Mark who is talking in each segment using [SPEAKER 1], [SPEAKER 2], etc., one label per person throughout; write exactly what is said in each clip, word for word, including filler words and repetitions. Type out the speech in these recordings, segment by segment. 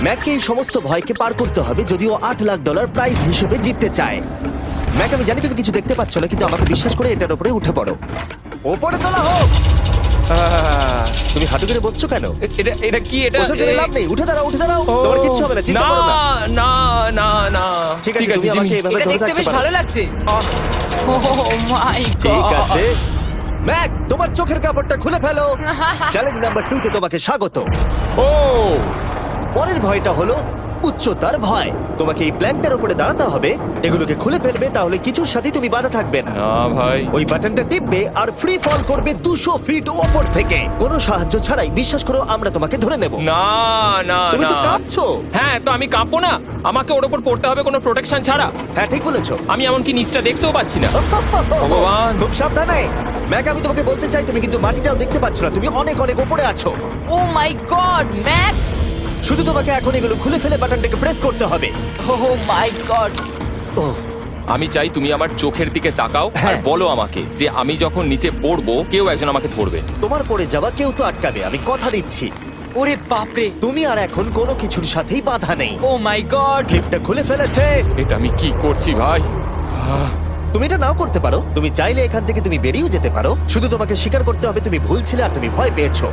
[SPEAKER 1] ম্যাককে এই সমস্ত ভয়কে পার করতে হবে যদি ও আট লাখ ডলার প্রাইজ হিসেবে জিততে চায়। ম্যাক, আমি জানি তুমি কিছু দেখতে পাচ্ছ না, কিন্তু আমাকে বিশ্বাস করে এটার উপরে উঠে পড়ো। ওপরে তোলা হোক।
[SPEAKER 2] আহ,
[SPEAKER 1] তুমি হাঁটু করে বসছো কেন?
[SPEAKER 2] এটা এটা কি এটা
[SPEAKER 1] বসে গেলে লাভ নেই, উঠে দাঁড়াও, উঠে দাঁড়াও।
[SPEAKER 2] ও,
[SPEAKER 1] তোমার কিচ্ছু হবে না, চিন্তা
[SPEAKER 2] না
[SPEAKER 1] করো না।
[SPEAKER 2] না না না
[SPEAKER 1] ঠিক আছে, তুমি আমাকে
[SPEAKER 2] জিমি।
[SPEAKER 1] এভাবে
[SPEAKER 3] এটা
[SPEAKER 1] ধরে
[SPEAKER 3] দেখতে
[SPEAKER 1] থাকতে
[SPEAKER 3] বেশ
[SPEAKER 1] পারো।
[SPEAKER 3] ভালো লাগছে ও মাই
[SPEAKER 1] ঠিক
[SPEAKER 3] গড
[SPEAKER 1] আছে ম্যাক, তোমার চোখের কাপড়টা খুলে ফেলো। চ্যালেঞ্জ নাম্বার টু তে তোমাকে স্বাগত।
[SPEAKER 2] ও
[SPEAKER 1] পরের ভয়টা হলো উচ্চতার ভয়। তোমাকে এই প্ল্যানটার উপরে দাঁড়াতে হবে, এগুলোকে খুলে ফেলবে, তাহলে কিছুর সাথে তুমি বাধা থাকবে না।
[SPEAKER 2] না ভাই,
[SPEAKER 1] ওই বাটনটা টিপবে আর ফ্রি ফল করবে দুশো ফিট ওপর থেকে। কোনো সাহায্য ছাড়াই, বিশ্বাস করো আমরা তোমাকে ধরে নেব।
[SPEAKER 2] না না
[SPEAKER 1] তুমি তো
[SPEAKER 2] না
[SPEAKER 1] কাঁপছো।
[SPEAKER 2] হ্যাঁ, তো আমি কাঁপবো না? আমাকে ওর উপর পড়তে হবে কোনো প্রোটেকশন ছাড়া?
[SPEAKER 1] হ্যাঁ ঠিক বলেছো।
[SPEAKER 2] আমি এমনকি নিচটা দেখতেও পাচ্ছি না। ভগবান।
[SPEAKER 1] খুব সাবধানে ম্যাক, আমি তোমাকে বলতে চাই তুমি কিন্তু মাটিটাও দেখতে পাচ্ছ না, তুমি অনেক অনেক উপরে আছো।
[SPEAKER 3] ও মাই গড ম্যাক
[SPEAKER 1] শুধু তোমাকে এখন এগুলো খুলে ফেলে বাটনটাকে প্রেস করতে হবে।
[SPEAKER 3] ও মাই গড
[SPEAKER 1] ও
[SPEAKER 2] আমি চাই তুমি আমার চোখের দিকে তাকাও আর
[SPEAKER 1] হ্যাঁ।
[SPEAKER 2] বলো আমাকে যে আমি যখন নিচে পড়বো কেউ একজন আমাকে ধরবে।
[SPEAKER 1] তোমার পড়ে যাওয়া কেউ তো আটকাবে, আমি কথা দিচ্ছি।
[SPEAKER 3] ওরে বাপরে
[SPEAKER 1] তুমি আর এখন কোনো কিছুর সাথেই বাধা নেই।
[SPEAKER 3] ও মাই গড
[SPEAKER 1] ক্লিপটা খুলে ফেলেছে।
[SPEAKER 2] এটা আমি কি করছি ভাই?
[SPEAKER 1] তুমি এটা নাও করতে পারো, তুমি চাইলে এখান থেকে তুমি বেরিয়েও যেতে পারো। শুধু তোমাকে স্বীকার করতে হবে তুমি ভুল ছিলে আর তুমি ভয় পেয়েছো।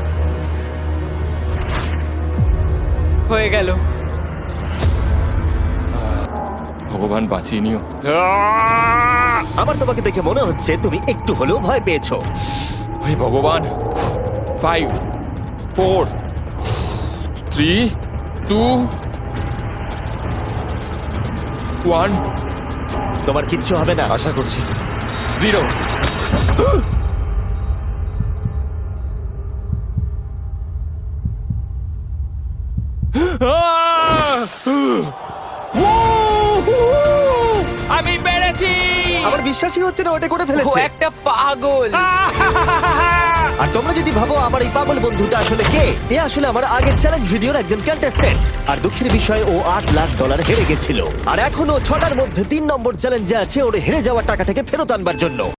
[SPEAKER 3] হয়ে গেল
[SPEAKER 2] ভগবান বাঁচিয়ে নিও।
[SPEAKER 1] আমার তোমাকে দেখে মনে হচ্ছে তুমি একটু হলেও ভয় পেয়েছো।
[SPEAKER 2] হে ভগবান। Five four three two one.
[SPEAKER 1] তোমার কিচ্ছু হবে না।
[SPEAKER 2] আশা করছি। জিরো। আমি পেরেছি।
[SPEAKER 1] আমার বিশ্বাসই হচ্ছে না ওটা করে
[SPEAKER 3] ও
[SPEAKER 1] ফেলেছে।
[SPEAKER 3] একটা পাগল
[SPEAKER 1] আর তোমরা যদি ভাবো আমার এই পাগল বন্ধুটা আসলে কে, এ আসলে আমার আগের চ্যালেঞ্জ ভিডিওর একজন কন্টেস্ট্যান্ট। আর দুঃখের বিষয়ে ও আট লাখ ডলার হেরে গেছিল, আর এখনো ছটার মধ্যে তিন নম্বর চ্যালেঞ্জে আছে ওর হেরে যাওয়া টাকাটাকে ফেরত আনবার জন্য।